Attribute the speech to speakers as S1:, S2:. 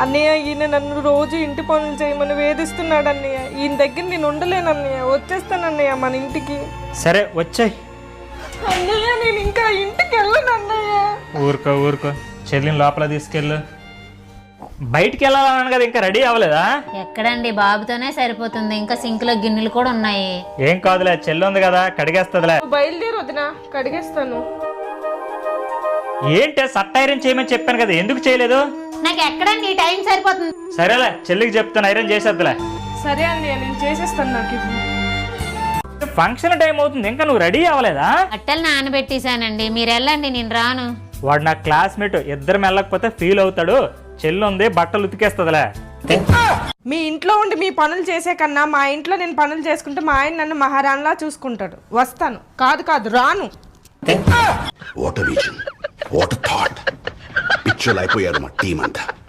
S1: అన్నయ్య ఈయన నన్ను రోజు ఇంటి పనులు చేయమని వేధిస్తున్నాడు అన్నయ్య. ఈయన దగ్గర నేను ఉండలేను అన్నయ్య. వచ్చేస్తాను అన్నయ్య మన ఇంటికి.
S2: సరే వచ్చాయి.
S1: అన్నయ్య నేను ఇంకా ఇంటికి వెళ్ళను అన్నయ్య.
S2: ఊరుకో చెల్లిని లోపల తీసుకెళ్ళు. బయటికి వెళ్ళాలన్నాను కదా, ఇంకా రెడీ అవ్వలేదా?
S3: ఎక్కడండి, బాబుతోనే సరిపోతుంది. ఇంకా సింక్ లో గిన్నెలు కూడా ఉన్నాయి.
S2: ఏం కాదులే, చెల్లి ఉంది కదా కడిగేస్తుందిలే.
S1: బయలుదేరి వదినా, కడిగేస్తాను.
S2: ఏంటే సట్ ఐరన్ చేయమని చెప్పాను కదా, ఎందుకు చేయలేదు?
S3: నాకు ఎక్కడండి ఈ టైం సరిపోతుంది.
S2: సరేలే, చెల్లికి చెప్తాను ఐరన్ చేసేద్దులే.
S1: సరే అన్నయ్య నేను చేసేస్తాను. నాకు
S2: ఫంక్షన్ టైం అవుతుంది, ఇంకా నువ్వు రెడీ అవ్వలేదా?
S3: బట్టలు నానబెట్టేశానండి, మీరు వెళ్ళండి, నేను రాను.
S2: వాడు నా క్లాస్మేట్, ఇద్దరం వెళ్ళకపోతే ఫీల్ అవుతాడు. చెల్లి ఉంది, బట్టలు ఉతికేస్తుందిలే.
S1: మీ ఇంట్లో ఉండి మీ పనులు చేసే కన్నా మా ఇంట్లో నేను పనులు చేసుకుంటే మా ఆయన నన్ను మహారాణిలా చూసుకుంటాడు. వస్తాను. కాదు రాను.
S4: What vision, what thought. పిచ్చోలు అయిపోయారు మా టీం అంతా.